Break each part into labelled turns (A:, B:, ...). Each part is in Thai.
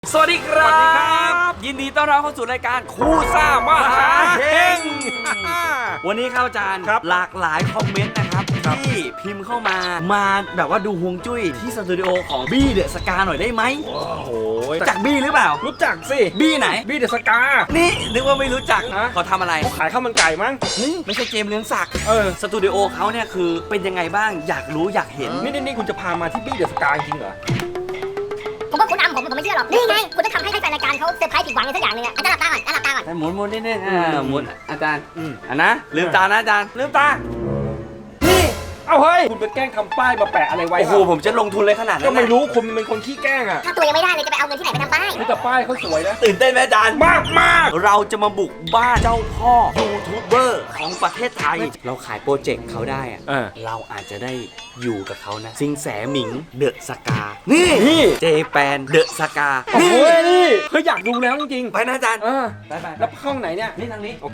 A: สวัสดีครับยินดีต้อนรับเข้าสู่รายการคู่ซ่ามหาเฮงวันนี้ครับอาจารย์หลากหลายคอมเมนต์นะครับที่พิมพ์เข้ามาแบบว่าดูฮวงจุ้ยที่สตูดิโอของบี้เดอะสกาหน่อยได้ไหมโอ้โหจากบี้หรือเปล่า
B: รู้จักสิ
A: บี้ไหน
B: บี้เดอะสกา
A: นี่นึกว่าไม่รู้จักเขาทำอะไร
B: เขาขายข้าวมันไก่มั้ง
A: ไม่ใช่เจมส์เรืองศักดิ์สตูดิโอเขาเนี่ยคือเป็นยังไงบ้างอยากรู้อยากเห็น
B: นี่คุณจะพามาที่บี้เดอะสกาจริงเหรอ
C: ผมว่าคุณอำผมไม่เชื่อหรอกนี่ไงคุณต้องทำให้แฟนรายการเขาเซอร์ไพรส์ผิดหวังอะไรสักอย่างนึงอาจารย์หลับตาก่อน
A: หมุนนิดนึงหมุนอาจารย์นะลืมตานะอาจารย์ลืมตา
B: นี่เอาเฮ้ยคุณไปแกล้งทำป้ายมาแปะอะไรไว้
A: โอ้โหผมจะลงทุนเลยขนาดนั้น
B: ก็ไม่รู้คุณเป็นคนขี้แกล้งอ่ะ
C: ถ้าตัวยังไม่ได้เลยจะไปเอาเงินที่ไหนไปทำป้าย
B: แต่ป้ายเขาสวยนะ
A: ตื่นเต้นไหมอาจารย์
B: มาก
A: เราจะมาบุกบ้านเจ้าพ่อยูทูบเบอร์ของประเทศไทยเราขายโปรเจกต์เขาได้อะเราอาจจะได้อยู่กับเขานะซิงแสหมิงเดอะสกานี่เจแปนเดอะสกา
B: นี่เฮ้ยอยากดูแล้วจริง
A: ๆไปนะอาจารย์
B: ไปแล้วห้องไหนเนี่ย
A: นี่ทางนี้
B: โอเค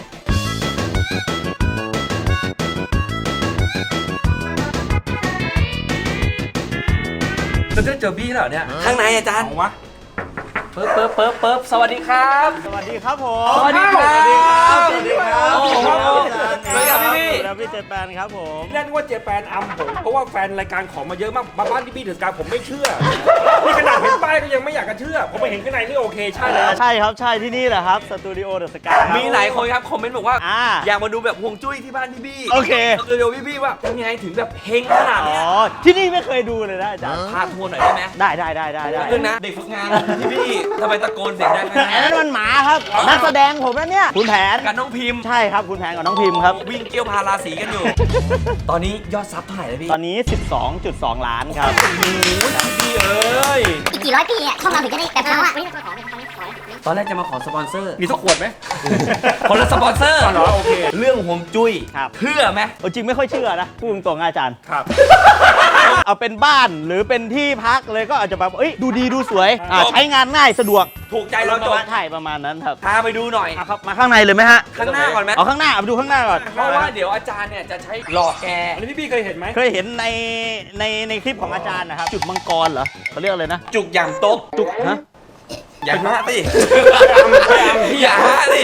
B: จะเจอบี้เหรอเนี่ย
A: ข้างในอาจารย์
B: วะ
A: เปิบสวัสดีครับ
D: สวัสดีครับผม
A: สวัสดีครับ
D: สวัสดีครับ
A: โอ้โหสวัสดีครับพี่
D: แล้วพี่เจแปนครับผม
B: เรียกว่าเจแปนอัมผมเพราะว่าแฟนรายการของมาเยอะมากมาบ้านที่บี้เดอะสกาผมไม่เชื่อนี่ขนาดเห็นป้ายก็ยังไม่อยากจะเชื่อผมไปเห็นข้างในนี่โอเคใช่แล้ว
D: ใช่ครับใช่ที่นี่แหละครับสตูดิโอเดอะสกา
A: มีหลายคนครับคอมเมนต์บอกว่าอยากมาดูแบบฮวงจุ้ยที่บ้านพี่บี้
D: โอเค
A: สตูดิโอพี่บี้ว่ายังไงถึงแบบเฮงขนาดนี้
D: ที่นี่ไม่เคยดูเลยนะอาจารย์
A: พาทัวร์หน่อยได้ไหม
D: ได้
A: เรื่องนะเด็กฝึกงานพี่บี้ทำไมตะโกนเสียงดังขนาด
D: นั้นนั่นมันหมาครับนักแสดงผมนั่นเนี่ยคุณแผน
A: กับน้องพิมพ์
D: ใช่ครับคุณแผนกับน้องพิมพ์ครับ
A: วิ่งเกี่ยวพาราสีกันอยู่ตอนนี้ยอดซับเท่าไหร่แล้วพี่
D: ตอนนี้ 12.2 ล้านครับ
A: โอ้โหพี่เอ้ย
C: อีกกี่ร้อยปีอ่ะช่องเราถึงจะได้แบบเขาอ่ะ
A: ตอนแรกจะมาขอสปอนเซอร์
B: มีสักขวดไหม
A: คนละสปอนเซอร์
B: เหรอโอเค
A: เรื่องฮวงจุ้ยเชื่อไหม
D: จริงไม่ค่อยเชื่อนะพูดตรงๆอาจารย์
B: ครับ
D: เอาเป็นบ้านหรือเป็นที่พักเลยก็อาจจะแบบดูดีดูสวยใช้งานง่ายสะดวก
A: ถูกใจเราจบ
D: ใช่ประมาณนั้นครับ
A: พาไปดูหน่อย
D: ครับมาข้างในเลยไหมฮะ
A: ข้างหน้าก่อนไหม
D: เอาข้างหน้าไปดูข้างหน้าก่อน
A: เพราะว่าเดี๋ยวอาจารย์เนี่ยจะใช้หลอกแก
B: อันนี้พี่เคยเห็นไหม
D: เคยเห็นในคลิปของอาจารย์นะครับจุกมังกรเหรอเขาเรียกอะไรนะ
A: จุกอย่างโต๊ะ
D: จุกฮะ
A: อย่าฮะสิอย่าฮะสิ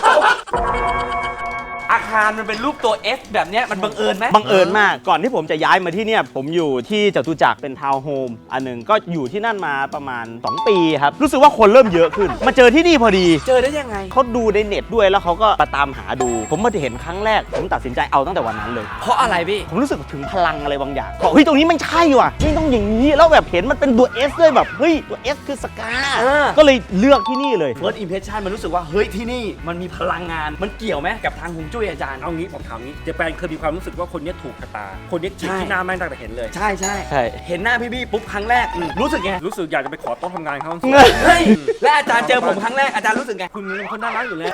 A: อาคารมันเป็นรูปตัว F แบบนี้มันบังเอิญไหม
D: บังเอิญมากก่อนที่ผมจะย้ายมาที่เนี่ยผมอยู่ที่จตุจักรเป็นทาวน์โฮมอันหนึ่งก็อยู่ที่นั่นมาประมาณ2 ปีครับรู้สึกว่าคนเริ่มเยอะขึ้นมาเจอที่นี่พอดี
A: เจอได้ยังไง
D: เขาดูในเน็ตด้วยแล้วเขาก็มาตามหาดูผมมาเห็นครั้งแรกผมตัดสินใจเอาตั้งแต่วันนั้นเลย
A: เพราะอะไรพี่
D: ผมรู้สึกถึงพลังอะไรบางอย่างบอกเฮ้ยตรงนี้มันใช่ว่ะไม่ต้องอย่างนี้แล้วแบบเห็นมันเป็นตัว S ด้วยแบบเฮ้ยตัว S คือสกาก็เลยเลือกที่นี่เลย
A: First Impression มันรู้สึกว่าเฮ้ยที่นี่มันมีพลังงานมันเกี่ยวไหมกับทางฮวงจุ้ยอาจารย์
B: เอางี้ผมถามงี้เจแปนเคยมีความรู้สึกว่าคนนี้ถูกชะตาคนนี้จิกที่หน้าแม่งตั้งแต่เห็นเลย
A: ใช่เห็นหน้าพี่บี้ปุ๊บครั้งแรกรู้สึกไง
B: รู้สึกอยากจะไปขอโต๊ะทำงานเขา
A: เฮ้ยและอาจารย์เจอผมครั้งแรกอาจารย์รู้สึกไง
B: คุณเป็นคนน่ารักอยู่แล้ว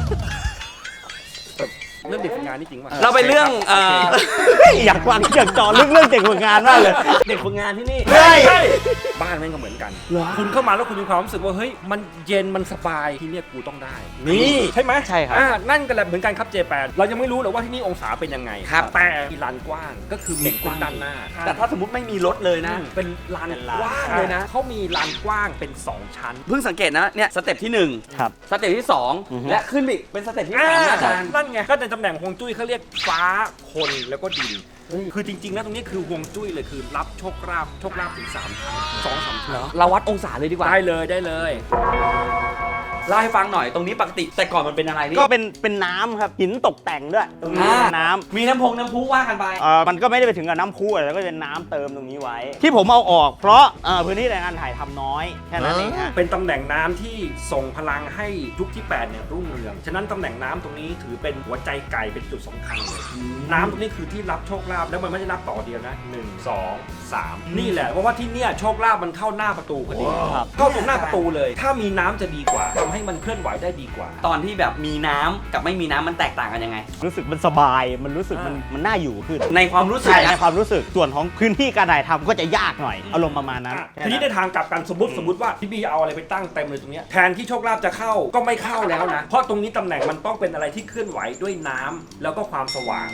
B: เรื่องเด็กฝึกงานนี่จริงป่ะ
A: เราไปเรื่อง
D: อยากฟังอยากจ่อเรื่องเด็กฝึกงานมากเลย
A: เด็กฝึกงานที่นี่
B: ใช่บ้านแม่งก็เหมือนกันคุณเข้ามาแล้วคุณมีความรู้สึกว่าเฮ้ยมันเย็นมันสบายที่เนี่ยกูต้องได้
A: นี่
B: ใช่ไหม
D: ใช่ครับ
B: นั่นก็แหละเหมือนกันครับเจแปนเรายังไม่รู้หรอกว่าที่นี่องศาเป็นยังไงแต่มีลานกว้างก็คือมีกว้างด้านหน้า
A: แต่ถ้าสมมติไม่มีรถเลยนะ
B: เป็นลานกว้างเลยนะเขามีลานกว้างเป็น2ชั้น
A: เพิ่งสังเกตนะเนี่ยสเต็ปที่1
D: ครับ
A: สเต็ปที่2และขึ้นอีกเป็นสเต็ปที่3อาจารย์
B: นั่นไงก็ในตำแหน่งฮวงจุ้ยเขาเรียกฟ้าคนแล้วก็ดินคือจริงๆแล้วตรงนี้คือฮวงจุ้ยเลยคือรับโชคลาภถึง3 ครั้ง 2-3 ครั้ง
A: เราวัดองศาเลยดีกว่า
B: ได้เลย
A: เล่าให้ฟังหน่อยตรงนี้ปกติแต่ก่อนมันเป็นอะไรนี่
D: ก็เป็นน้ำครับหินตกแต่งด้วยตรงนี้น้ำ
A: มีน้ำพุว่ากันไป
D: มันก็ไม่ได้ไปถึงกับน้ำพุอะไรก็เป็นน้ำเติมตรงนี้ไว้ที่ผมเอาออกเพราะพื้นที่ในการถ่ายทำน้อยแค่นั้นเองฮะ
B: เป็นตำแหน่งน้ำที่ส่งพลังให้ยุคที่8เนี่ยรุ่งเรืองฉะนั้นตำแหน่งน้ำตรงนี้ถือเป็นหัวใจไก่เป็นจุดสำคัญเลยน้ำตรงนี้คือที่รับโชคลาภแล้วมันไม่ได้รับต่อเดียวนะ1 2 3นี่แหละเพราะว่าที่เนี่ยโชคลาภมันเข้าหน้าประตูพอดีเข้าตรงหน้าประตูเลยถ้ามีน้ำจะดีกว่าทำให้มันเคลื่อนไหวได้ดีกว่า
A: ตอนที่แบบมีน้ำกับไม่มีน้ำมันแตกต่างกันยังไง
D: รู้สึกมันสบายมันรู้สึกมันน่าอยู่ขึ้น
A: ในความรู้สึก
D: ในความรู้สึกส่วนของพื้นที่การถ่ายทำก็จะยากหน่อยอารมณ์ประมาณนั้น
B: ทีนี้ในทางกลับกันสมมติว่าพี่บีเอาอะไรไปตั้งเต็มเลยตรงนี้แทนที่โชคลาภจะเข้าก็ไม่เข้าแล้วนะเพราะตรงนี้ตำแหน่งมันต้องเป็นอะไรที่เคลื่อนไหวด้วยน้ำแล้วก็ความสว่าง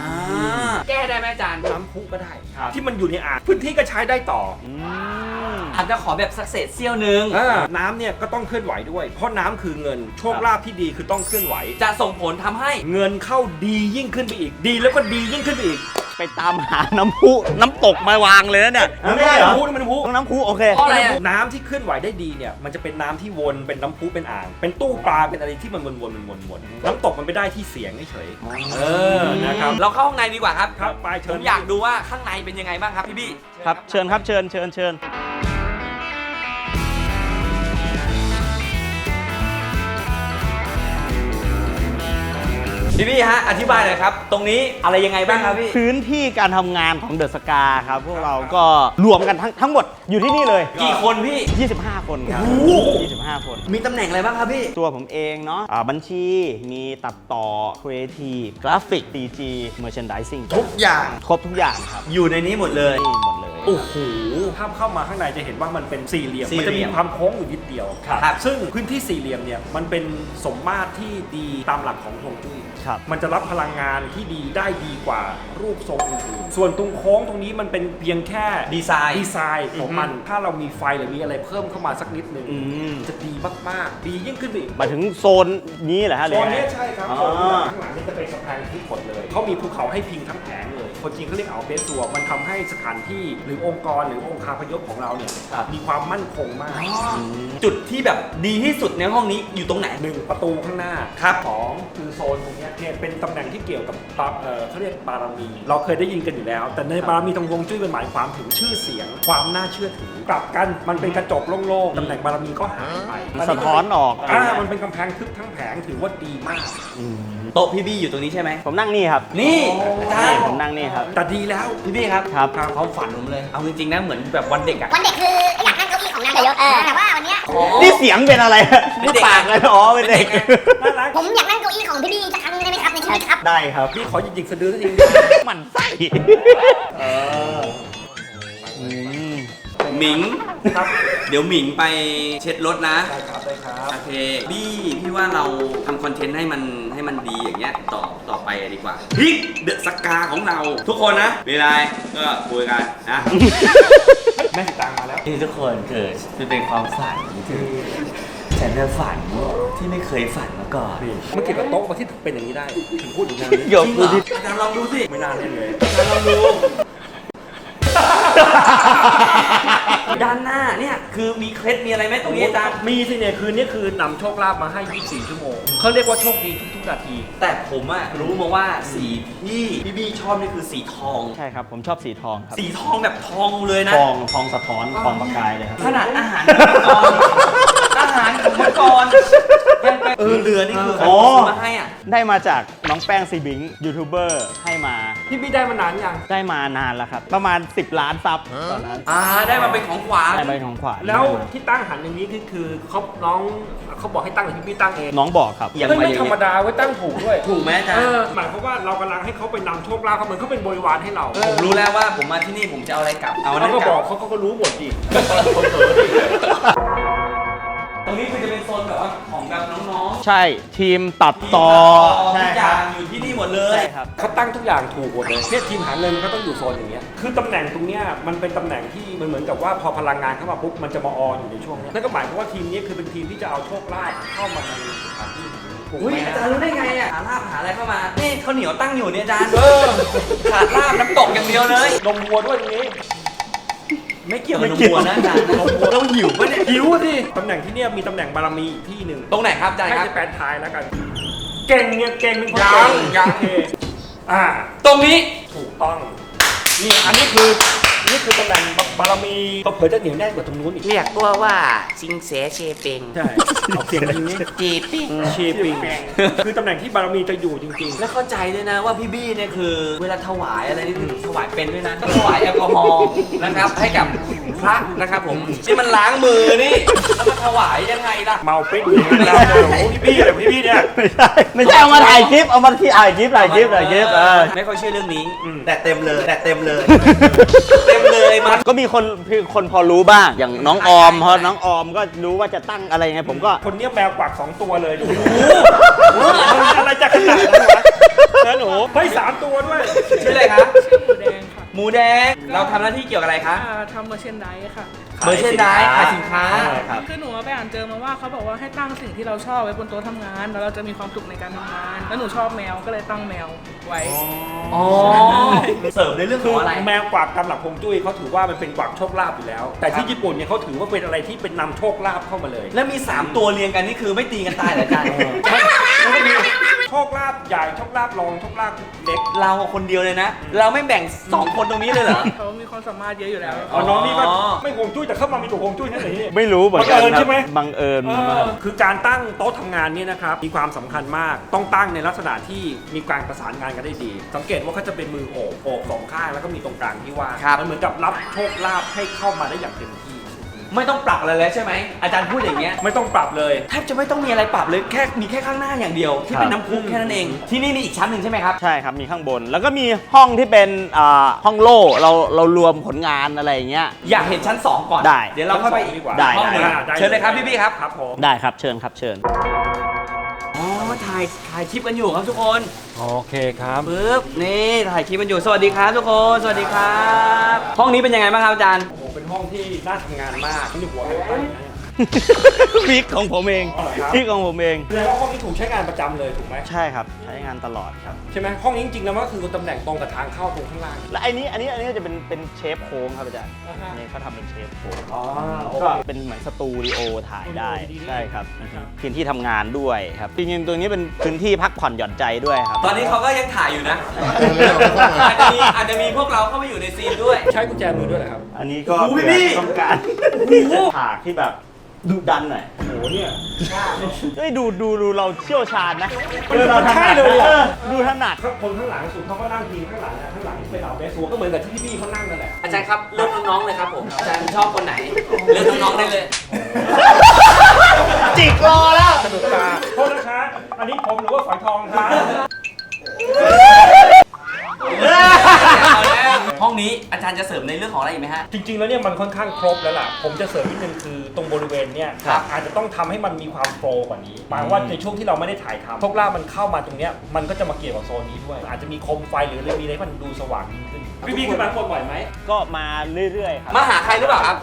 A: แก้ได้ไหมอาจารย์
B: น้ำพุก็ได้ที่มันอยู่ในอ่างพื้นที่ก็ใช้ได้ต่อ
A: อาจจะขอแบบสักเศษเสี้ยวหนึง
B: น้ำเนี่ยก็ต้องเคลื่อนไหวด้วย เพราะน้ำคือเงินโชคลาภที่ดีคือต้องเคลื่อนไหว
A: จะส่งผลทำให้
B: เงินเข้าดียิ่งขึ้นไปอีก ดีแล้วก็ดียิ่งขึ้นไปอีก
D: ไปตามหาน้ำพุน้ำตกมาวางเลยนะเนี่ย
B: ไม่ใช่น้ำพุนี่มันน้ำพุ
D: ต้องน้ำพุโอเค
A: เพราะอะไรอะ
B: น้ำที่เคลื่อนไหวได้ดีเนี่ยมันจะเป็นน้ำที่วนเป็นน้ำพุเป็นอ่าง เป็นตู้ปลาเป็นอะไรที่มันวนน้ำตกมันไปได้ที่เสียงเฉยๆนะครับ
A: เราเข้าข้างในดีกว่าครับ
B: ครับไปเชิ
A: ผ
B: ญ
A: มอยากดูว่าข้างในเป็นยังไงบ้างครับพี่บี้
D: ครับเชิญครับเชิญ
A: พี่บี้ฮะอธิบายหน่อยครับ ตรงนี้อะไรยังไงบ้างครับพี่
D: พื้นที่การทำงานของเดอะสกาครับพวกเราก็รวมกันทั้งหมดอยู่ที่นี่เลย
A: กี่คนพี่
D: 25 คนครับ 25 คน
A: มีตำแหน่งอะไรบ้างครับพี่
D: ตัวผมเองเนาะบัญชีมีตัดต่อ Creative กราฟิก DG Merchandising
A: ทุกอย่าง
D: ครบทุกอย่างครับ
A: อยู่ในนี้หมดเลย
D: นี่หมดเลย
A: โอ้โห
B: ถ้าเข้ามาข้างในจะเห็นว่ามันเป็นสี่เหลี่ยม
A: สี่
B: มัน
A: เหลี่
B: จะ
A: ยม
B: มีความโค้งอยู่นิดเดียว
A: ครับ
B: ซึ่งพื้นที่สี่เหลี่ยมเนี่ยมันเป็นสมมาตรที่ดีตามหลักของฮวงจุ้ย
D: ครับ
B: มันจะรับพลังงานที่ดีได้ดีกว่ารูปทรงอื่นๆส่วนตรงโค้งตรงนี้มันเป็นเพียงแค่
A: ดีไซน์
B: ดีไซน์ของมัน ถ้าเรามีไฟหรือมีอะไรเพิ่มเข้ามาสักนิดนึง จะดีมากๆ ดียิ่งขึ้นไปอีก
D: มาถึงโซนนี้เหรอฮะหรื
B: โซ
D: อน ยังไง
B: นี้ใช่ครับ
D: อ๋อ
B: โซนข้างหลังนี่จะเป็นกำแพงทึบหมดเลยเขามีภูเขาให้พิงทั้งแผงเลยคนจีนเขาเรียกเอาเบสซัวมันทำให้สถานที่หรือองค์กรหรือองค์คาพยพของเราเนี่ยมีความมั่นคงมาก
A: จุดที่แบบดีที่สุดในห้องนี้อยู่ตรงไหน
B: หนึ่งประตูข้างหน้า
A: ครับ
B: สองคือโซนตรงเนี้ยเนี่ยเป็นตำแหน่งที่เกี่ยวกับเขาเรียกบารมี เราเคยได้ยินกันอยู่แล้ว แต่ในบารมีทางฮวงจุ้ยมันหมายความถึงชื่อเสียง ความน่าเชื่อถือกลับกันมันเป็นกระจกโล่งๆตำแหน่งบารมีก็หายไป
D: สะท้อนออก
B: มันเป็นกำแพงทึบทั้งแผงถือว่าดีมาก
A: โต๊ะพี่บี้อยู่ตรงนี้ใช่ไหม
D: ผมนั่งนี่ครับ
A: นี่อาจารย์
D: ผมนั่งนี่ครับ
B: แต่ดีแล้ว
A: พี่บี้ครับ
D: ครับ
A: ความฝันผมเลย เอาจริงๆนะเหมือนแบบวันเด็กอะ
C: วันเด็กคืออยากนั่งเก้าอี้ของนายกแต่ว่าวันเนี้ย
D: นี่เสียงเป็นอะไรนี่ปากเลยอ๋อเป็นเด็ก
B: น่ารัก
C: ผมอยากนั่งเก้าอี้ของพี่บี้สักครั้งได้ไหมครับในชีวิตครับ
D: ได้ครับ
B: พี่ขอหยิกๆสะดือสักที
D: หมันไส้
A: หมิง
B: ครับ
A: เดี๋ยวหมิงไปเช็ดรถนะ
B: ได้ครับได้ครับ
A: โอเคบี้พี่ว่าเราทำคอนเทนต์ให้มันดีอย่างเงี้ยต่อไปดีกว่าพริกเดอะสกาของเรา ทุกคนนะมีอะไรก็คุยกันนะ
B: แม่สิตางมาแล้ว
A: ที่ทุกคนเกิดเป็นความฝันคือฉันจะฝันที่ไม่เคยฝันมาก่อน
B: เมื่อกี้กับโต๊ะมาที่เป็นอย่างนี้ได้ถึงพูดอย่างนี้
D: เดี๋ยว
A: จริงเหรออาจารย์ลองดูสิ
B: ไม่น่าเล่นเลย
A: อาจารย์ลองดู ด้านหน้าเนี่ยคือมีเคล็ดมีอะไรไหมตรงนี้อาจารย์
B: มีสิเนี่ยคืนนี้คือนำโชคลาภมาให้ 24 ชั่วโมงเขาเรียกว่าโชคดีทุกๆนาที
A: แต่ผมอะรู้มาว่าสีที่พี่บี้ชอบนี่คือสีทอง
D: ใช่ครับ ผมชอบสีทองครับ
A: สีทองแบบทองเลยนะ
D: ทองสะท้อนทองประกายเลยครับ
A: ขนาดอาหารอาหารของมังกรยังไปเรือนี่คือใครซื้อมาให้อ่ะ
D: ได้มาจากน้องแป้งซีบิงยูทูบเบอร์ให้มา
B: พี่ได้มานานยัง
D: ได้มานานแล้วครับ ประมาณ 10 ล้านซับตอนนั้น
A: ได้มาเป็นของขวัญ
D: ได้ไปของขวัญ
B: แล้วที่ตั้งหันอย่างนี้คือเขาน้องเขาบอกให้ตั้งหรือพี่ตั้งเอง
D: น้องบอกครับ
A: อย่าง
B: ไม่ธรรมดาไว้ตั้งถูกด้วย
A: ถูกไหมอาจารย์
B: หมายความว่าเรากำลังให้เขาไปนำโชคลาภเขาเหมือนเขาเป็นบริวารให้เรา
A: ผมรู้แล้วว่าผมมาที่นี่ผมจะเอาอะไรกลับ เอาอัน
B: เรา
A: นั้น
B: ก็
A: ก
B: บ
A: ลั
B: อบ กเขาก็รู้หมดดิ
A: ตรงนี้คือจะเป็นโซนแบบว่าของแบบน้อง
D: ใช่ทีมตัด
A: ๆ
D: ต่อ
A: ทุ
D: ใช่
A: กอ
D: ครั
A: ย่า
D: บ
A: งอยู่ที่นี่หมดเลย
D: ใช่ครับ
B: เขาตั้งทุกอย่างถูกหมดเลยเนี่ยทีมหาเงินก็ต้องอยู่โซนอย่างเงี้ยคือตำแหน่งตรงเนี้ยมันเป็นตำแหน่งที่มันเหมือนกับว่าพอพลังงานเข้ามาปุ๊บมันจะมาออนอยู่ในช่วงเนี้ยนั่นก็หมายความว่าทีมนี้คือเป็นทีมที่จะเอาโชคลาภเข้ามาในสถานที่นี้ถูก
A: อุ้ย
B: ไหม
A: อาจารย์รู้ได้ไงอ่ะหาลาบหาอะไรเข้ามา นี่ข้าวเหนียวตั้งอยู่เนี่ยอาจารย์ขาดลาบน้ำตกอย่างเดียวเลย
B: นมวัวด้วยตรงนี้
A: ไม่เกี่ยวกับนมวัวนะอาจารย์เราหิวปะเนี่ย
B: หิวสิตำแหน่งที่เนี่ยมีตำแหน่งบารมีอีกที่หนึ่ง
A: ตรงไหนครับอาจารย์
B: ให้
A: ครับ
B: จะแปลทายแล้วกัน เก่งเนี่ยเก่งเป็นคน
A: ยัง
B: เก่งโอเคอ่า
A: ตรงนี้
B: ถูกต้องนี่อันนี้คือตำแหน่งบารมีเผื่อจะเหนียวแน่นกว่าตรงนู้นอีก
E: เรียกตัวว่าซิงเสเชเปง
B: ใช่เอาเสียงแบบนี้
E: จีปิง
B: เชปิงคือตำแหน่งที่บารมีจะอยู่จริง
A: แล้วเข้าใจด้วยนะว่าพี่บี้เนี่ยคือ เวลาถวายอะไรนี่คือถวายเป็นด้วยนะก็ถวายแอลกอฮอล์นะครับให้กับพระนะครับผมนี่มันล้างมือนี่แล้วมาถวายยังไงล่ะ
B: ๆ เมาปิ๊กอย่างนั้นแล้วโอ้โหพี่เนี่ย
D: ไม่ใช่เอามาถ่ายคลิปเอามาที่ถ่ายคลิป
A: ไม่ค่อยเชื่อเรื่องนี้ แต่เต็มเลยเต็มเลยมัน
D: ก็มีคนพอรู้บ้างอย่างน้องออมพอน้องออมก็รู้ว่าจะตั้งอะไรไงผมก็
B: คนเนี้ยแมวกวัก2 ตัวเลยดูอะไรจะขนาดนั้นวะนะหนูเฮ้ย3 ตัวด้วย
A: ชื่ออะไรครับ
F: ชื่อหมูแดงค่ะ
A: หมูแดงเราทำหน้าที่เกี่ยวกับอะไรคะ
F: ทำเมอร์เชนไดค่ะ
A: ขเมอร์เชนไดส์ขายสินค้า
D: ครับ
F: คือหนูไปอ่านเจอมาว่าเขาบอกว่าให้ตั้งสิ่งที่เราชอบไว้บนโต๊ะทำงาน แล้วเราจะมีความสุขในการทำงาน แล้วหนูชอบแมวก็เลยตั้งแมวไว้
A: อ๋อเสริมในเรื่องของอะไร
B: แมวกวักตามหลักฮวงจุ้ยเขาถือว่ามันเป็นกวักโชคลาภอยู่แล้ว แต่ที่ญี่ปุ่นเนี่ยเขาถือว่าเป็นอะไรที่เป็นนำโชคลาภเข้ามาเลย
A: แล้วมี 3 ตัวเรียงกันนี่คือไม่ตีกันตายเหรออาจารย์
B: มันก็มีโชคลาภใหญ่โชคลาภรองโชคลาภเล็ก
A: เราคนเดียวเลยนะ เราไม่แบ่ง 2 คนตรงนี้เลยเหรอ
F: เขามีความสามารถเยอะอยู่แล้ว
B: อ๋อน้องนี่ก็ไม่ฮวงจุ้ยแต่เข้ามามีตัวฮวงจุ้ยนั่นเอง
D: ไม่รู้เหมือนกัน
B: บังเอิญ
D: ครั
B: ใช่ไหม
D: บังเอิญมาก
B: คือการตั้งโต๊ะทำงานเนี่ยนะครับมีความสำคัญมากต้องตั้งในลักษณะที่มีการประสานงานกันได้ดี สังเกตว่าเขาจะเป็นมือโอบสองข้างแล้วก็มีตรงกลางที่ว่าง
A: ครับ
B: มันเหมือนกับรับโชคลาภให้เข้ามาได้อย่างเต็มที่
A: ไม่ต้องปรับอะไรเลยใช่ไหมอาจารย์พูดอย่างเงี้ย
B: ไม่ต้องปรับเลย
A: แทบจะไม่ต้องมีอะไรปรับเลยมีแค่ข้างหน้าอย่างเดียว ที่เป็นน้ำพุแค่นั้นเอง ที่นี่มีอีกชั้นหนึ่งใช่ไหมครับ
D: ใช่ครับ มีข้างบน แล้วก็มีห้องที่เป็นห้องโล่เรารวมผลงานอะไรอย่างเงี้ย
A: อยากเห็นชั้น 2 ก่อน
D: ได้
A: เดี๋ยวเราเข้าไป
B: ดีกว่า
D: ได้
A: ห้องหนึ่ง
B: ได้
A: เชิญเลยครับพี่ๆครับ
B: ครับผม
D: ได้ครับ เชิญครับ เชิญ
A: อ๋อถ่ายคลิปกันอยู่ครับทุกคน
B: โอเคครับ
A: ปึ๊บนี่ถ่ายคลิปกันอยู่สวัสดีครับทุกคนสวัสดีครับห้องนี้เป็นยังไงบ้างครับอาจารย์
B: โอ้โหเป็นห้องที่น่าทำงานมากนี่หัวอะไรตั้งอย่างเงี้ย
D: วิกของผมเอง
B: อ๋อเหรอครับ
D: วิกของผมเอง
B: แสดงว่าห้องนี้ถูกใช้งานประจำเลยถูกไหม
D: ใช่ครับ ใช้งานตลอดครับ
B: ใช่ไหมห้องนี้จริงๆแล้วมันก็คือตำแหน่งตรงกับทางเข้าตรงข้างล่าง
D: และอันนี้จะเป็นเชฟโค้งครับอาจารย์
B: อ่าฮะ
D: อันนี้เขาทำเป็นเชฟโค้ง
B: อ๋อโอ
D: ก็
B: เค
D: เป็นเหมือนสตูดิโอถ่ายได้
B: ดีๆ
D: ใช่ครับ
B: ครับ
D: พื้นที่ทำงานด้วยครับ จริงๆ ตัวนี้เป็นพื้นที่พักผ่อนหย่อนใจด้วยครับ
A: ตอนนี้เขาก็ยังถ่ายอยู่นะ อาจจะมีพวกเราเข้ามาอยู่ในซีนด้วย
B: ใช้กุญแจมือด้วยเหรอครับ
D: อันนี้ก็
A: โอ้โห
D: เผื่อ
A: พี่
D: ต้องการฉากที่แบบดุดันหน่อย
B: โอ้โหเนี่ย
D: เฮ้ยดูเราเชี่ยวชาญนะ
B: มันใช่เลยอะ
D: ดูถนัด
B: คนข้างหลังสุดเขาก็นั่งพิงข้างหลังนะข้างหลังเป็นเหล่าเบสซัวก็เหมือนกับที่พี่ๆเขานั่งนั่นแหละ
A: อาจารย์ครับเลือกน้องๆเลยครับผมอาจารย์ชอบคนไหนเลือกน้องๆได้เลย
D: จิกรอแล้ว
B: สนุกตาโทษนะคะอันนี้ผมหรือว่าฝอยทองครับ
A: ห้องนี้อาจารย์จะเสริมในเรื่องของอะไรอีกไหมฮะ
B: จริงๆแล้วเนี่ยมันค่อนข้างครบแล้วล่ะผมจะเสริมนิดนึงคือตรงบริเวณเนี่ย
A: ครับ
B: อาจจะต้องทำให้มันมีความโปรกว่านี้หมายว่าในช่วงที่เราไม่ได้ถ่ายทำโชคลาภมันเข้ามาตรงเนี้ยมันก็จะมาเกี่ยวกับโซนนี้ด้วย อาจจะมีโคมไฟหรืออะไรมีอะไรให้มันดูสว่างยิ่งขึ้นพี่ๆขึ้นมาคนบ่อยไหม
D: ก็มาเรื่อยๆครับ
A: มาหาใครหรือเปล่าครับ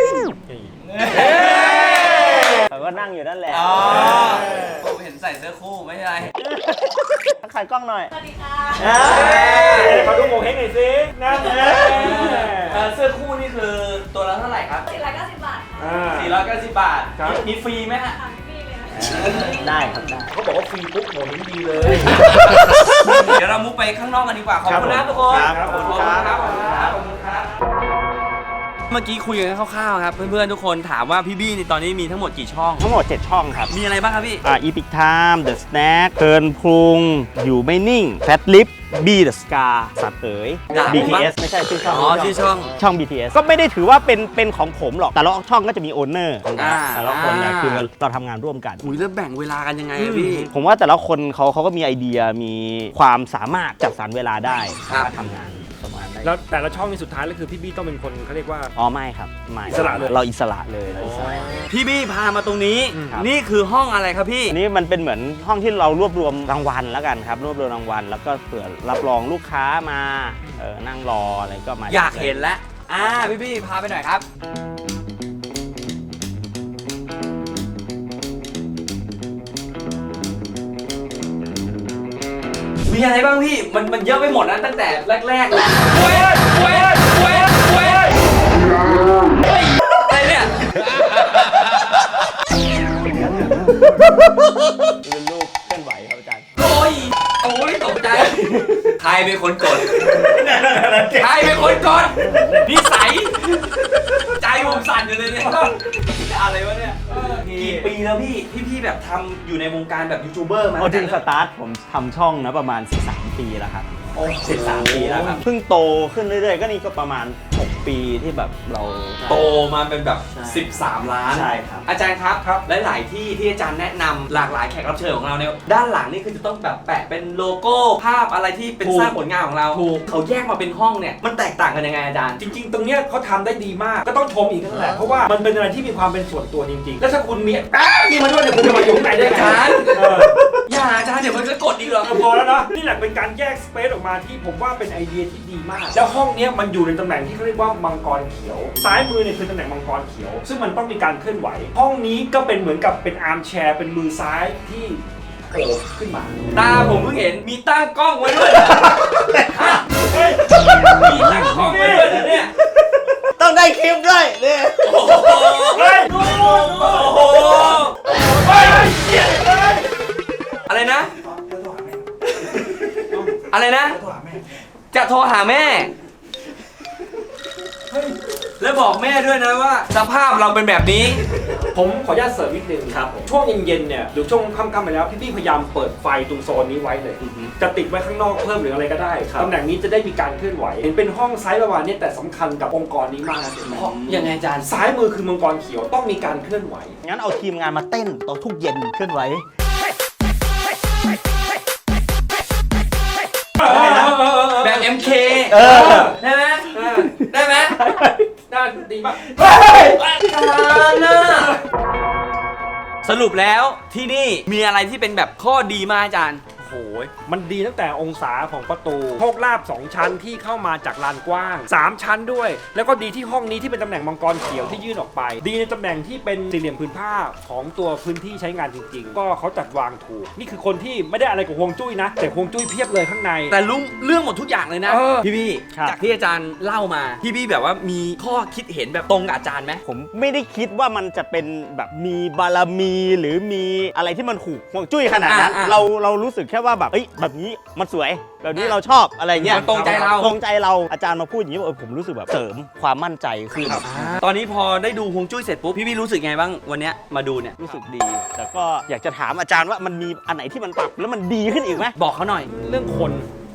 D: เขาก็นั่งอยู่นั่นแหละ
A: อ๋อผมเห็นใส่เสื้อคู่ไม่ใช่ไร
D: ทักทายกล้องหน่อย
F: สวัสดีค่ะ
B: เขาดูโมเฮงหน่อยสินั่นแหละ
A: เสื้อคู่นี่คือตัวละเท่าไหร่ครับ
F: 490 บาทค่ะ
A: 490 บาท
B: ครับ
A: มีฟรีไหมฮะ
F: ถามพี่เลยนะ
D: ได้ครับได้
B: เขาบอกว่าฟรีปุ๊บโมเฮงดีเลย
A: เดี๋ยวเรามุกไปข้างนอกกันดีกว่า ขอบคุณนะทุกคน
D: ครับ
A: ขอบคุณครับขอบคุณครับขอบคุณครับ เมื่อกี้คุยกันคร่าวๆครับ เพื่อนๆทุกคนถามว่าพี่บี้นี่ตอนนี้มีทั้งหมดกี่ช่อง
D: ทั้งหมด 7 ช่องครับ
A: มีอะไรบ้างครับพี่
D: Epic Time The Snack เทิร์นพุงอยู่ไม่นิ่ง Fat Lip B The Scar สัตว์เอ๋ย
A: ด่าผมปะ
D: BTS ไม่ใช่ชื่อช่อง
A: อ๋อชื่อช่อง
D: ช่อง BTS ก็ไม่ได้ถือว่าเป็นของผมหรอก แต่ละช่องก็จะมีโอนเนอร์ของ
A: อ่า
D: แต่ละคนเนี่ยคือเราทำงานร่วมกัน
A: อุ้ยแล้วแบ่งเวลากันยังไงอะพี่
D: ผมว่าแต่ละคนเขาก็มีไอเดียมีความสามารถจัดสรรเวลาได้
A: ครับ
D: ทำงานประมาณได้
B: แล้วแต่ละช่องนี่สุดท้ายแล้วคือพี่บี้ต้องเป็นคนเขาเรียกว่า
D: อ๋อไม่ครับไม่
B: อิสระเลย
D: เราอิสระเลยเราอิสระ
A: พี่บี้พามาตรงนี้
D: ครับ
A: นี่คือห้องอะไรครับพี่
D: อันนี้มันเป็นเหมือนห้องที่เรารวบรวมรางวัลแล้วกันครับ รวบรวมรางวัลแล้วก็เผื่อรับรองลูกค้ามานั่งรออะไรก็มา
A: อยากเห็นแล้วพี่บี้พาไปหน่อยครับ มีอะไรบ้างพี่ มันเยอะไปหมดนะตั้งแต่แรกๆเลยเว้ยอะไรเนี่ย
D: เป็นรูปเคลื่อนไหวครับอาจารย์
A: โอ้ยตกใจ ใครเป็นคนกด ใครเป็นคนกดนิสัย ใจผมสั่นอยู่เลยเนี่ยอะไรวะเนี่ย กี่ปีแล้วพี่แบบทำอยู่ในวงการแบบยูทูบเบอร์มา
D: เอาจริงสตาร์ทผมทำช่องนะประมาณ 13 ปีแล้วครับ13 ปีแล้วครับเพิ่งโตขึ้นเรื่อยๆ ก็นี่ก็ประมาณ 6 ปีที่แบบเรา
A: โตมาเป็นแบบ
D: ใช่
A: 13 ล้าน
D: ใช่ครับ
A: อาจารย์ครับหลายๆที่ที่อาจารย์แนะนำหลากหลายแขกรับเชิญของเราเนี่ยด้านหลังนี่คือจะต้องแบบแปะเป็นโลโก้ภาพอะไรที่เป็นสร้างผลงานของเราเขาแยกมาเป็นห้องเนี่ยมันแตกต่างกันยังไงอาจารย์
B: จริงๆ ตรงเนี้ยเขาทำได้ดีมาก ก็ต้องชมอีกนั่นแหละ เพราะว่ามันเป็นอะไรที่มีความเป็นส่วนตัวจริงๆ แล้วถ้าคุณมีนี่มาด้วยเนี่ยคุณจะมาอยู่ข้างในได้ไง
A: อาจารย์
B: เออ
A: อย่าอาจารย์เดี๋ยวมันก็กดอีกหรอก
B: พอแล้วนะนี่แหละเป็นการแยกสเปซออกมาที่ผมว่าเป็นไอเดียที่ดีมาก แล้วห้องเนี้ยมันอยู่ในตำแหน่งที่เขาเรียกว่ามังกรเขียว ซ้ายมือเนี่ยคือตำแหน่งมังกรเขียว ซึ่งมันต้องมีการเคลื่อนไหว ห้องนี้ก็เป็นเหมือนกับเป็นอาร์มแชร์เป็นมือซ้ายที่โผล่ขึ้นมา
A: ตาผมเพิ่งเห็นมีตั้งกล้องไว้ด้วยมีตั้งกล้องไว้ด้วยนะเนี่ย
D: ต้องได้คลิปด้วยเนี่ย
A: โอ้โห
B: เฮ้ย
A: โอ้โหเฮ้ยอะไรนะ อะไรนะ จะโทรหาแม่ แล้วบอกแม่ด้วยนะว่าสภาพเราเป็นแบบนี้
B: ผมขออนุญาตเสริมนิดนึงครับช่วงเย็นๆเนี่ยหรือช่วงค่ำๆไปแล้วพี่ๆพยายามเปิดไฟตรงโซนนี้ไว้เลย จะติดไว้ข้างนอกเพิ่มหรืออะไรก็ได้ตำแหน่งนี้จะได้มีการเคลื่อนไหวเห็นเป็นห้องไซส์ประมาณนี้แต่สำคัญกับองค์กรนี้มากนะเห็นไหม
A: ยังไงอาจารย์
B: ซ้ายมือคือมังกรเขียวต้องมีการเคลื่อนไหว
D: งั้นเอาทีมงานมาเต้นตอนทุกเย็นเคลื่อนไหว
A: แบบ MK
D: เออ
A: ได้ไหมได้ไหม
B: ด้านดีมาก
A: อาจารย์น่ะสรุปแล้วที่นี่มีอะไรที่เป็นแบบข้อดีมากอาจารย์
B: โอ้โหมันดีตั้งแต่องศาของประตูโชคลาภ2ชั้นที่เข้ามาจากลานกว้าง3ชั้นด้วยแล้วก็ดีที่ห้องนี้ที่เป็นตำแหน่งมังกรเขียวที่ยื่นออกไป ดีในตำแหน่งที่เป็นสี่เหลี่ยมผืนผ้าของตัวพื้นที่ใช้งานจริงๆ ก็เขาจัดวางถูกนี่คือคนที่ไม่ได้อะไรกับฮวงจุ้ยนะแต่ฮวงจุ้ยเพียบเลยข้างใน
A: แต่รู้เรื่องหมดทุกอย่างเลยนะ
B: เออ
A: พี่
D: ครับ
A: จากที่อาจารย์เล่ามาพี่แบบว่ามีข้อคิดเห็นแบบตรงกับอาจารย์ไหม
D: ผมไม่ได้คิดว่ามันจะเป็นแบบมีบารมีหรือมีอะไรที่มันถูกห่วงจุ้ยขนาดนั้น เรารู้สึกแค่ว่าแบบเอ้ยแบบนี้มันสวยแบบนี้เราชอบอะไรเงี้ย
A: มันตรงใจเรา
D: ตรงใจเราอาจารย์มาพูดอย่างนี้ผมรู้สึกแบบเสริมความมั่นใจขึ้น
A: ตอนนี้พอได้ดูฮวงจุ้ยเสร็จปุ๊บพี่รู้สึกไงบ้างวันเนี้ยมาดูเนี่ย
D: รู้สึกดี แต่ก็อยากจะถามอาจารย์ว่ามันมีอันไหนที่มันปรับแล้วมันดีขึ้นอีกไหม
A: บอกเขาหน่อย
B: เรื่องคน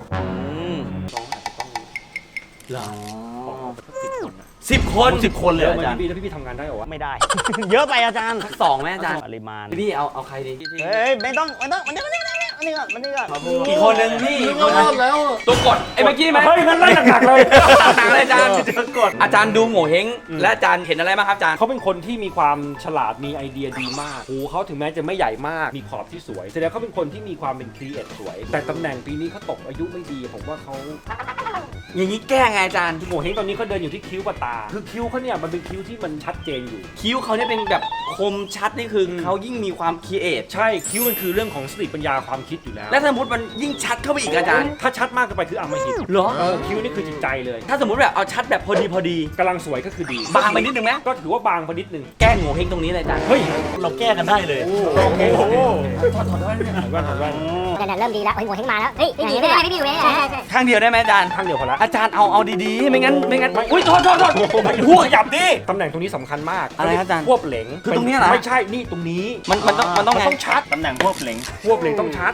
A: เหรอ
B: 10 คนนะ
A: 10 คน
D: 10 คนเลย
B: เย
D: เหร
B: อะ
D: อ
B: ไหม
D: อาจารย์
B: พี่แล้วพี่ทำงานได้เหรอวะ
D: ไม่ได้ เยอะไปอาจารย์
A: สักสองไหมอาจารย์
D: ปริมาณ
A: พี่เอาใครดี
D: เฮ้ยไม่ต้องมันนี่ก่อน
A: กี่คนหนึ่งพี่ตัวกดไอ้เมื่อกี้ไหม
B: เฮ้ยงั้นไล่หนักๆเลย
A: หนักเลยอาจารย์อาจารย์ดูโง่เฮงและอาจารย์เห็นอะไรบ้างครับอาจารย์
B: เขาเป็นคนที่มีความฉลาดมีไอเดียดีมากหูเขาถึงแม้จะไม่ใหญ่มากมีขอบที่สวยแสดงเขาเป็นคนที่มีความเป็นครีเอทสวย แต่ตำแหน่งปีนี้เขาตกอายุไม่ดีผมว่าเขา
A: อย่างนี้แก้ไงอาจารย์
B: โง่เฮงตอนนี้เขาเดินอยู่ที่คิ้วกับตาคือคิ้วเขาเนี่ยมันเป็นคิ้วที่มันชัดเจนอยู่
A: คิ้วเขาเนี่ยเป็นแบบคมชัดนี่คือเขายิ่งมีความคิดเอท
B: ใช่คิ้วมันคือเรื่องของสติปัญญาความคิดอยู่แล้ว
A: และสมมติมันยิ่งชัดเข้าไปอีกอาจารย์
B: ถ้าชัดมากเกินไปคืออำมหิต
A: เหรอ
B: คิ้วนี่คือจิตใจเลย
A: ถ้าสมมติแบบเอาชัดแบบพอดี
B: กำลังสวยก็คือดี
A: บางไปนิดนึงไหม
B: ก็ถือว่าบางไปนิดนึง
A: แก้โง่เฮงตรงนี้เลยอาจารย์
B: เฮ้ย
D: เราแก้กันได้เลย
B: โอเค
D: โอ้โห
B: ถอดแว่นถอดแว่น
C: เนี่ยเริ่มดีแล้วเฮ้ยหัวเฮงมาแล้ว เฮ้ยไม่ดีเลยไม่ดีเลยใช่ใช่
A: ข้างเดียวได้ไหมอาจารย์
B: ข้างเดียวพอละ
A: อาจารย์เอาดีๆไม่งั้นอุ้ยโทษ
B: หัวขยับดิตำแหน่งตรงนี้สำคัญมาก
A: อะไรครับอาจารย์
B: ควบเหลง
A: คือตรงเนี้ยเหรอ
B: ไม่ใช่นี่ตรงนี้
A: มันต้องไง
B: ต้องชัด
D: ตำแหน่งพวกเหลง
B: ควบเหลงต้องชัด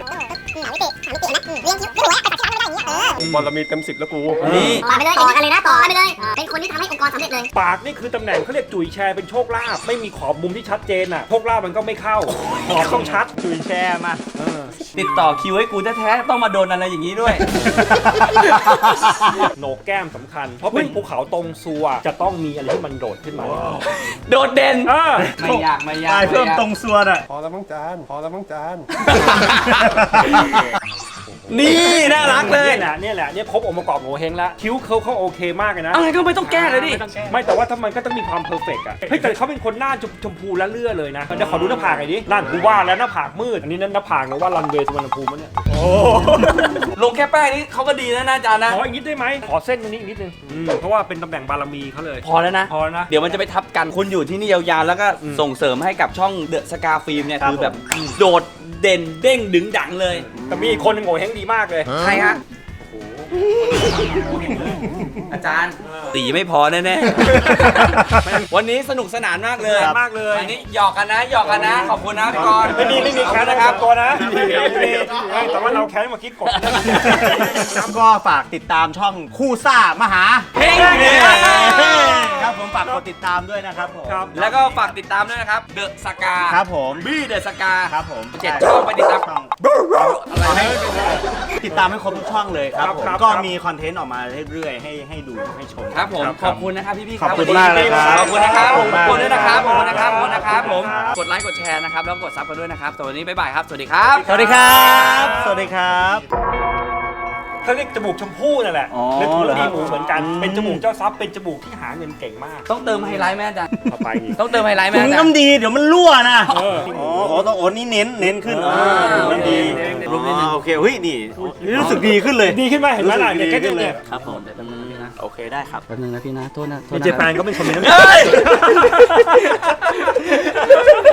G: บอลมีเต็ม10แล้วกู
A: นี่
C: ต่อไปเลยต่อกันเลยนะต่อกันไปเลย เป็นคนที่ทำให้องค์กรสำเร็จเลย
B: ปากนี่คือตำแหน่งเขาเรียกจุ๋ยแชร์เป็นโชคลาภไม่มีขอบมุมที่ชัดเจนอ่ะโชคลาภมันก็ไม่เข้าขอบต้องชัด
D: จุยแช่มา
A: ติดต่อคิวให้กูแท้ๆต้องมาโดนอะไรอย่างนี้ด้วย
B: โหนกแก้มสำคัญ เพราะเป็นภูเขาตรงซัวจะต้องมีอะไรที่มันโดดขึ้นมา
A: โดดเด่น
B: เออ
A: ไม่ยาก
D: ได้เพิ่มตรงส่วนอ่ะ
G: พอแล้วมั้งจานพอแล้วมั้งจาน
A: นี่น่ารักเลย
B: เนี่ยครบองค์ประกอบโงเฮงแล้วคิ้วเขาโอเคมากเลยนะ
A: อะไรก็ไม่ต้องแก้เลยดิ
B: ไม่แต่ว่าถ้ามันก็ต้องมีความเพอร์เฟกต์อ่ะเฮ้ยแต่เขาเป็นคนหน้าชมพูและเลื่อเลยนะเดี๋ยวขอดูหน้าผากหน่อยดินั่นกูว่าแล้วหน้าผากมืดอันนี้นั่นหน้าผากนะว่ารันเวย์สุวรรณภูมิมั้งเนี่ย
A: ลงแค่แป้งนี่เขาก็ดีนะอาจารย์นะ
B: ขออีกนิดได้ไหมขอเส้นตรงนี้อีกนิดนึงเพราะว่าเป็นตำแหน่งบารมีเขาเลย
A: พอแล้วนะ
B: พอแล้วนะ
A: เดี๋ยวมันจะไปทับกันคุณอยู่ที่นี่ยาวๆ แล้วก็ส่งเสริมให้กับช่องเดอะสกาฟิล์มเนี่ยคือแบบโดดเด่นเด้งดึงดังเลย
B: แต่มีอีกคนหนึงโง่เฮงดีมากเลย
A: ใครฮะอาจารย์ตีไม่พอแน่ๆ วันนี้สนุกสนานมากเลย
B: มากเลย
A: อันนี้หยอกกันนะขอบคุณนะพี่กรณ์
B: ไม่มีแค้น
A: นะ
B: นะ
A: ค
B: ค
A: รั
B: รั
A: บบ
B: ตัวนะไม่มีแต่ว่าเราแค้นมาคิดกด
D: ครับก็ฝากติดตามช่องคู่ซ่ามหา
A: เฮ้ย
D: ครับผมฝากกดติดตามด้วยนะครับผม
B: ครับ
A: แล้วก็ฝากติดตามด้วยนะครับเดอะสกา
D: ครับผม
A: บี้เดอะสกา
D: ครับผม
A: 7 ช่องไปติดตาม
D: ช่องติดตามให้ครบทุกช่องเลยครับผม
B: ครับ
D: ก็มีคอนเทนต์ออกมาเรื่อยๆให้ดูให้ชม
A: ครับผม
B: ครับ
A: ขอบคุณนะครับพี่ๆค
D: ข
A: รั
D: อบคุณมากเลยครับ
A: ขอบคุณนะครับ
D: ขอบคุณมาก
A: ขอบคุณด้วยนะครับขอบคุณนะครับ
B: ครับ
A: ขอบคุณนะครับผม
B: ครับ
A: กดไลค์กดแชร์นะครับแล้วกดซับกันด้วยนะครับสำหรับวันนี้บ๊ายบายครับสวัสดีครับ
D: สวัสดีครับ สวัสดีครับ
B: เขาเรียกจมูกชมพู่นั่นแหละ
D: อ๋อ
B: นึกถึง
D: เหรอ
B: ดีหมูเหมือนกัน
D: อืม
B: เป็นจมูกเจ้าทรัพย์เป็นจมูกที่หาเงินเก่งมาก
A: ต้องเติมไฮไลท์ไหมอาจารย์
B: ต่อไปอีก
A: ต้องเติมไฮไลท์ไหม
D: ถุง
A: อาจารย์
D: น้ำดีเดี๋ยวมันรั่วนะ
B: เออ
D: อ๋อต้องโอ้นี่เน้นขึ้นถุงน้ำดี
B: เน้น
D: อ๋อโอเคเฮ้ยนี่รู้สึกดีขึ้นเลย
B: ดีขึ้นไหมเห็นไหมล่ะ
D: รู้สึก
B: เนี่ยแค่
D: ดีขึ้นเล
B: เนี่ย ย
A: ครับผมเดี๋ยวแป๊บนึงนะพี่นะ
D: โอเคได้ครับ
A: แป๊บนึงนะพี่นะโทษนะโทษ
B: มี
A: นะ
B: เจแปนก็เป็นคนมีน้ำใจ
A: เฮ้ย